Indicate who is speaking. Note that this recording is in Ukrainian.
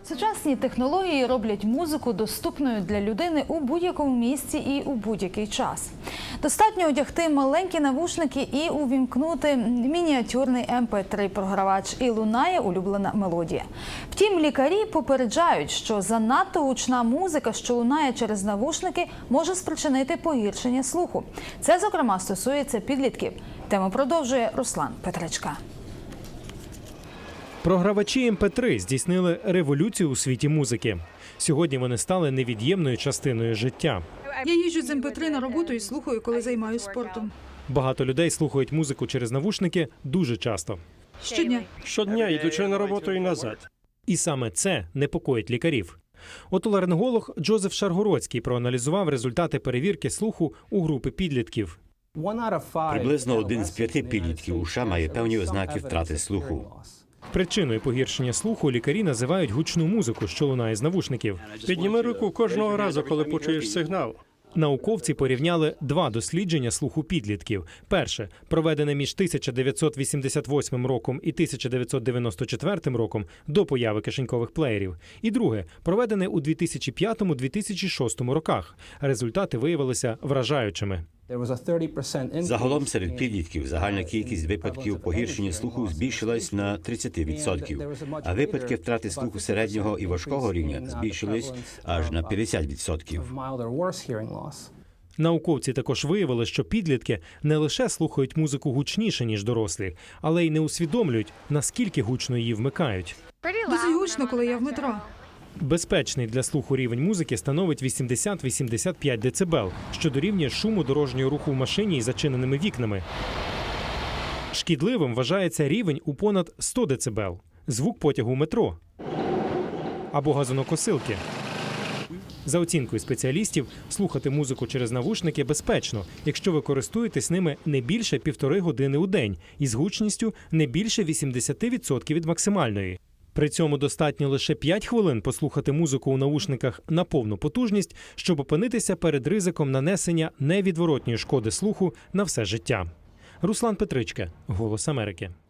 Speaker 1: Сучасні технології роблять музику доступною для людини у будь-якому місці і у будь-який час. Достатньо одягти маленькі навушники і увімкнути мініатюрний MP3-програвач, і лунає улюблена мелодія. Втім, лікарі попереджають, що занадто гучна музика, що лунає через навушники, може спричинити погіршення слуху. Це, зокрема, стосується підлітків. Тему продовжує Руслан Петричка.
Speaker 2: Програвачі MP3 здійснили революцію у світі музики. Сьогодні вони стали невід'ємною частиною життя.
Speaker 3: Я їжджу з MP3 на роботу і слухаю, коли займаюся спортом.
Speaker 2: Багато людей слухають музику через навушники дуже часто.
Speaker 3: Щодня.
Speaker 4: Щодня, йдучи на роботу і назад.
Speaker 2: І саме це непокоїть лікарів. Отоларинголог Джозеф Шаргородський проаналізував результати перевірки слуху у групи підлітків.
Speaker 5: Приблизно 1 з 5 підлітків у США має певні ознаки втрати слуху.
Speaker 2: Причиною погіршення слуху лікарі називають гучну музику, що лунає з навушників.
Speaker 4: Підніми руку кожного разу, коли почуєш сигнал.
Speaker 2: Науковці порівняли два дослідження слуху підлітків. Перше, проведене між 1988 роком і 1994 роком до появи кишенькових плеєрів. І друге, проведене у 2005-2006 роках. Результати виявилися вражаючими.
Speaker 5: Загалом серед підлітків загальна кількість випадків погіршення слуху збільшилась на 30%, а випадки втрати слуху середнього і важкого рівня збільшились аж на 50%.
Speaker 2: Науковці також виявили, що підлітки не лише слухають музику гучніше, ніж дорослі, але й не усвідомлюють, наскільки гучно її вмикають.
Speaker 3: Досить гучно, коли я в метро.
Speaker 2: Безпечний для слуху рівень музики становить 80-85 дБ, що дорівнює шуму дорожнього руху в машині із зачиненими вікнами. Шкідливим вважається рівень у понад 100 дБ – звук потягу метро або газонокосилки. За оцінкою спеціалістів, слухати музику через навушники безпечно, якщо ви користуєтесь ними не більше 1,5 години у день із гучністю не більше 80% від максимальної. При цьому достатньо лише 5 хвилин послухати музику у навушниках на повну потужність, щоб опинитися перед ризиком нанесення невідворотньої шкоди слуху на все життя. Руслан Петричка, «Голос Америки».